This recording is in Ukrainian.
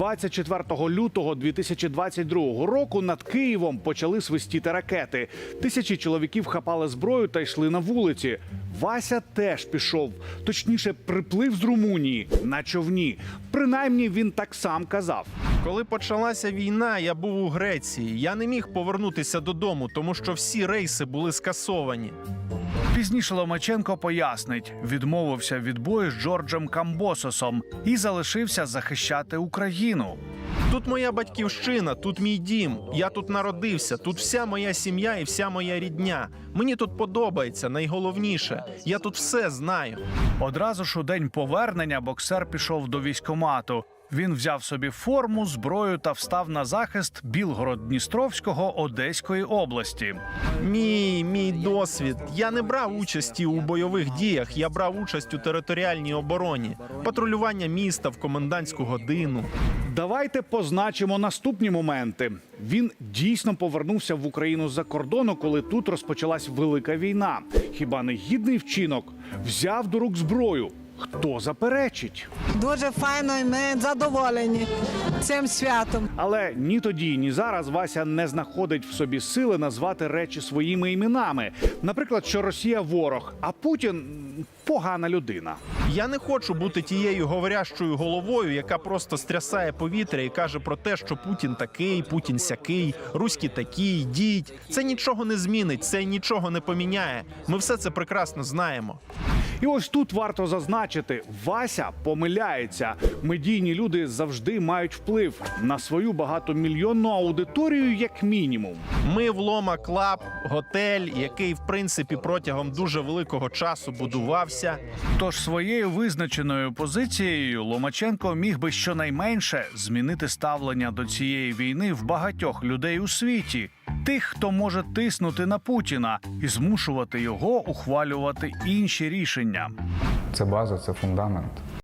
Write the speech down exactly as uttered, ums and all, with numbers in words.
двадцять четвертого лютого дві тисячі двадцять другого року над Києвом почали свистіти ракети. Тисячі чоловіків хапали зброю та йшли на вулиці. Вася теж пішов. Точніше, приплив з Румунії на човні. Принаймні, він так сам казав. Коли почалася війна, я був у Греції. Я не міг повернутися додому, тому що всі рейси були скасовані. Пізніше Ломаченко пояснить, відмовився від бою з Джорджем Камбососом і залишився захищати Україну. Тут моя батьківщина, тут мій дім. Я тут народився, тут вся моя сім'я і вся моя рідня. Мені тут подобається, найголовніше. Я тут все знаю. Одразу ж у день повернення боксер пішов до військкомату. Він взяв собі форму, зброю та встав на захист Білгород-Дністровського Одеської області. Мій, мій досвід. Я не брав участі у бойових діях, я брав участь у територіальній обороні. Патрулювання міста в комендантську годину. Давайте позначимо наступні моменти. Він дійсно повернувся в Україну з-за кордону, коли тут розпочалась велика війна. Хіба не гідний вчинок? Взяв до рук зброю. Хто заперечить? Дуже файно і ми задоволені цим святом. Але ні тоді, ні зараз Вася не знаходить в собі сили назвати речі своїми іменами. Наприклад, що Росія – ворог, а Путін – погана людина. Я не хочу бути тією говорящою головою, яка просто стрясає повітря і каже про те, що Путін такий, Путін сякий, руські такі, йдіть. Це нічого не змінить, це нічого не поміняє. Ми все це прекрасно знаємо. І ось тут варто зазначити, Вася помиляється. Медійні люди завжди мають вплив на свою багатомільйонну аудиторію як мінімум. Ми в Лома Клаб, готель, який, в принципі, протягом дуже великого часу будувався. Тож своєю визначеною позицією Ломаченко міг би щонайменше змінити ставлення до цієї війни в багатьох людей у світі. Тих, хто може тиснути на Путіна і змушувати його ухвалювати інші рішення. Це база, це фундамент.